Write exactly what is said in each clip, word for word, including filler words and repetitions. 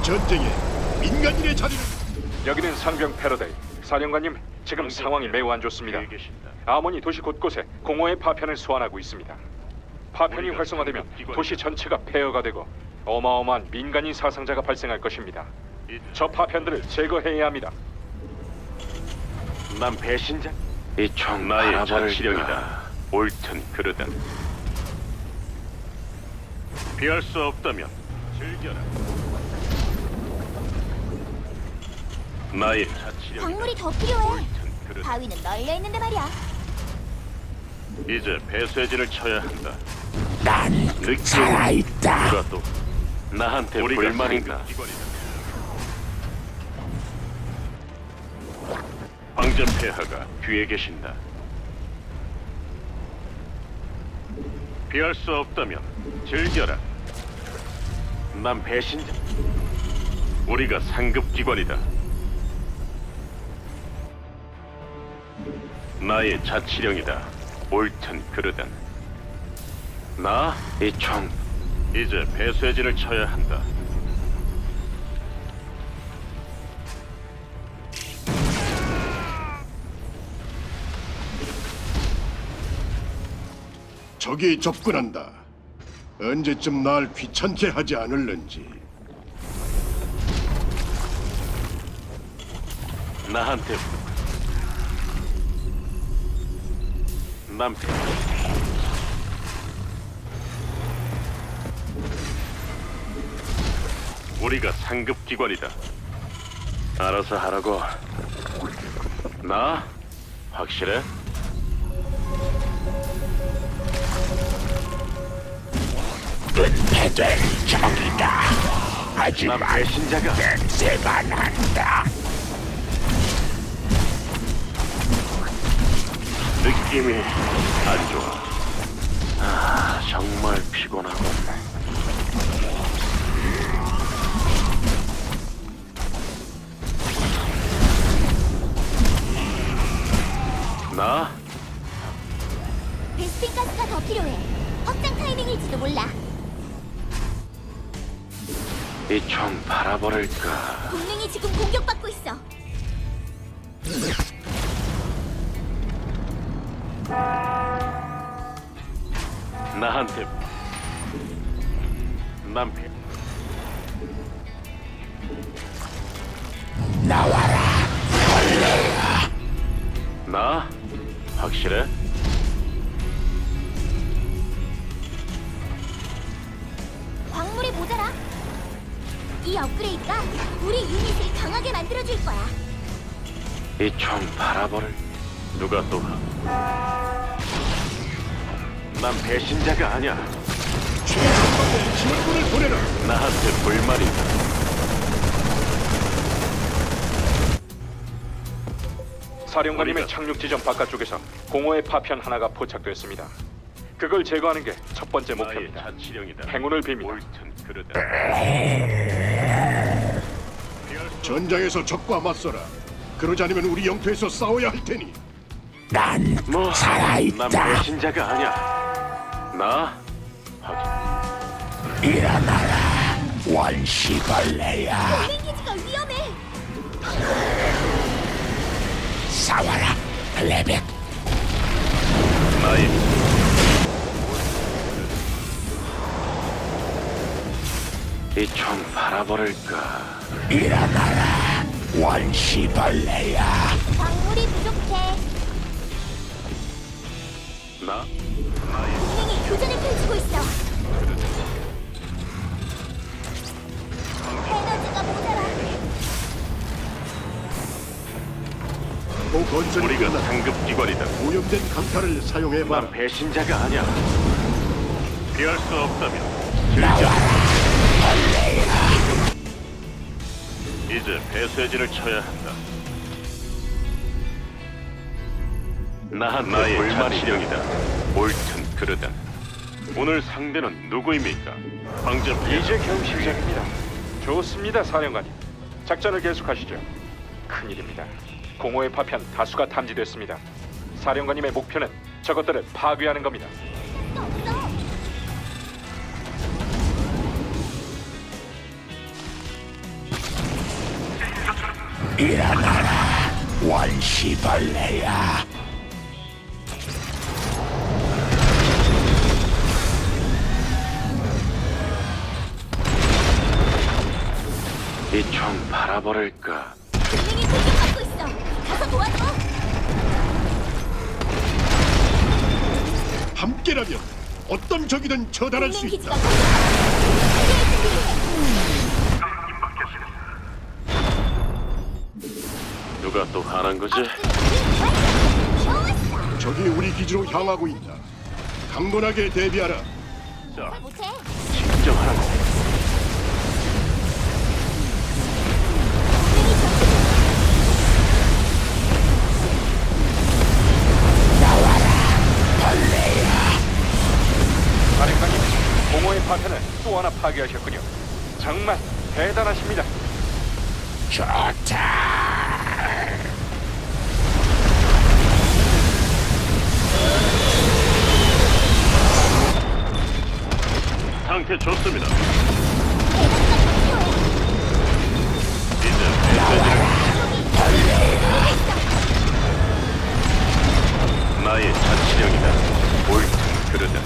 전쟁에 민간인의 자리는 여기는 상병 패러데이. 사령관님, 지금 상황이 매우 안 좋습니다. 아몬이 도시 곳곳에 공허의 파편을 소환하고 있습니다. 파편이 활성화되면 도시 전체가 폐허가 되고 어마어마한 민간인 사상자가 발생할 것입니다. 저 파편들을 제거해야 합니다. 난 배신자? 이 총 나의 자치령이다. 옳든 그르든 피할 수 없다면 즐겨라. 나의 자치령. 광물이 더 필요해. 옳든 그르든 바위는 널려 있는데 말이야. 이제 배쇄진을 쳐야 한다. 난 느끼 살아있다. 누가 또 나한테 불만인가? 황제 폐하가 뒤에 계신다. 피할 수 없다면 즐겨라. 난 배신자. 우리가 상급 기관이다. 나의 자치령이다. 옳든 그르든. 나? 이 총. 이제 배쇄진을 쳐야 한다. 적이 접근한다. 언제쯤 날 귀찮게 하지 않을는지. 나한테 난 배... 우리가 상급 기관이다. 알아서 하라고. 나? 확실해? 은폐될 적이다. 난 하지만 배신자가 냄새가 난다. 느낌이 안 좋아. 아, 정말 피곤하군. 나? 베스핀 가스가 더 필요해. 확장 타이밍일지도 몰라. 이 총 바라버릴까? 동맹이 지금 공격받고 있어. 나한테 난 배... 나와라. 나? 확실해? 광물이 모자라. 이 업그레이드가 우리 유닛을 강하게 만들어줄 거야. 이 총 바라버릴 누가 또? 난 배신자가 아니야. 최전방에 지원군을 보내라. 나한테 불만이 있다. 사령관님의 우리가- 착륙 지점 바깥쪽에서 공허의 파편 하나가 포착됐습니다. 그걸 제거하는 게 첫 번째 나의 목표입니다. 자치령이다. 행운을 빕니다. 옳든 그르든. 전장에서 적과 맞서라. 그러지 않으면 우리 영토에서 싸워야 할 테니. 난 뭐? 난 살아있다. 배신자가 아니야. 나? 확인. 일어나라. 원시벌레야. 동맹 기지가 위험해. 싸워라. 레벡. 나의 이 총 바라버릴까? 일어나라. 원시벌레야. 광물이 부족해. 나? 동맹이 교전을 펼치고 있어. 에너지가 모자라. 또 건설이 우리가 끝나 상급 기관이다. 오염된 강타를 사용해봐라. 난 배신자가 아니야. 피할 수 없다면 이제 배쇄진을 쳐야 한다. 나한 나의 불만이령이다. 옳든 그르든. 오늘 상대는 누구입니까? 황제 폐하. 이제 겨우 시작입니다. 좋습니다, 사령관님. 작전을 계속하시죠. 큰일입니다. 공허의 파편 다수가 탐지됐습니다. 사령관님의 목표는 저것들을 파괴하는 겁니다. 없어. 일어나라, 원시벌레야. 이 총 바라버릴까? 동맹이 공격받고 있어. 가서 도와줘. 함께라면 어떤 적이든 처단할 수 동맹 있다. 기지가 공격받고 누가 또 화난 거지? 좋았어. 적이 우리 기지로 향하고 있다. 강건하게 대비하라. 자, 못해. 진정하라고. 동맹이 전투 중. 사령관님, 공허의 파편을 또 하나 파괴하셨군요. 정말 대단하십니다. 좋다. 상태 좋습니다. 나의 자치령이다. 옳든 그르든.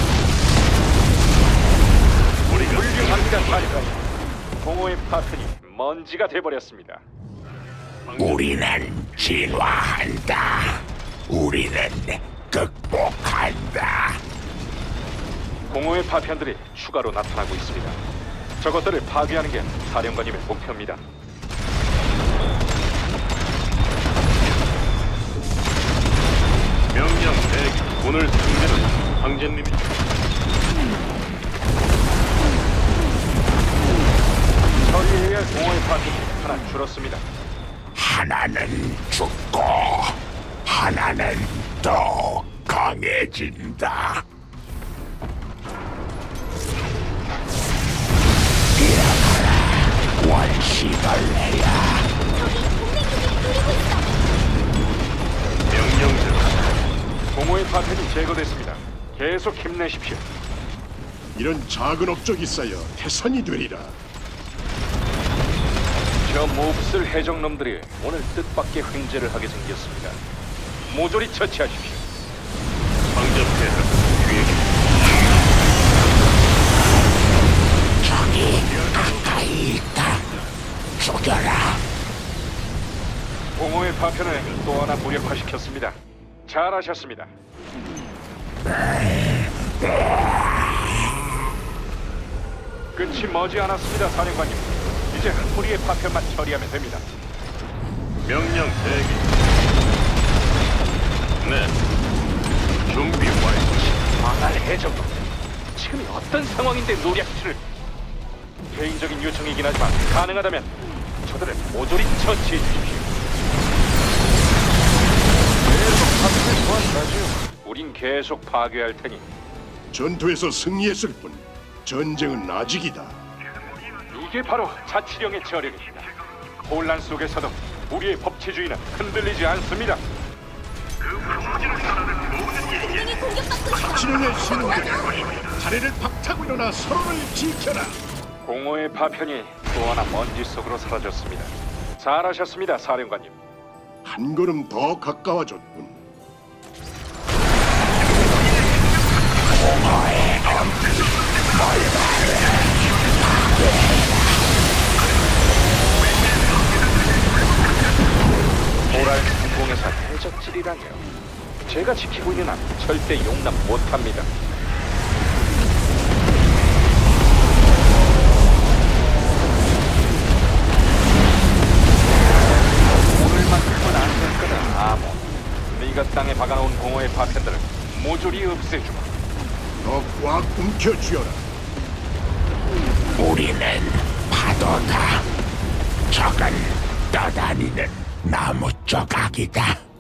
우리가 훌륭합니다, 사령관님. 공허의 파편이 먼지가 돼버렸습니다. 우리는 진화한다. 우리는 극복한다. 공허의 파편들이 추가로 나타나고 있습니다. 저것들을 파괴하는 게 사령관님의 목표입니다. 명령 대기. 오늘 상대는 황제님이. 처리해야 할 공허의 파편이 하나 줄었습니다. 하나는 죽고 하나는 더 강해진다. 일어나라, 원시벌레야. 저기 동맹 기지를 노리고 있어. 명령대로. 공허의 파편이 제거됐습니다. 계속 힘내십시오. 이런 작은 업적이 쌓여 태산이 되리라. 저 몹쓸 해적놈들이 오늘 뜻밖의 횡재를 하게 생겼습니다. 모조리 처치하십시오. 황제폐하 뒤에 저기 가까이 있다. 죽여라. 공허의 파편을 또 하나 무력화시켰습니다. 잘하셨습니다. 끝이 머지 않았습니다, 사령관님. 이제 한 무리의 파편만 처리하면 됩니다. 명령 대기. 네. 준비 완료. 망할 해적놈. 지금이 어떤 상황인데 노략질을... 개인적인 요청이긴 하지만 가능하다면 저들을 모조리 처치해 주십시오. 계속 파편을 도와주라지요. 우린 계속 파괴할 테니 전투에서 승리했을 뿐 전쟁은 아직이다. 이게 바로 자치령의 저력입니다. 혼란 속에서도 우리의 법치주의는 흔들리지 않습니다. 동맹이 공격받고 있어. 자치령의 신들, 다리를 박차고 일어나 서로를 지켜라. 공허의 파편이 또 하나 먼지 속으로 사라졌습니다. 잘하셨습니다, 사령관님. 한 걸음 더 가까워졌군. 모랄 상공에서 해적질이라뇨. 제가 지키고 있는 한 절대 용납 못합니다. 오늘만큼은 안 될 거다, 아몬. 네가 땅에 박아놓은 공허의 파편들을 모조리 없애주마. 더 꽉 움켜쥐어라. 우리는 파도다. 적은 떠다니는 나무 조각이다.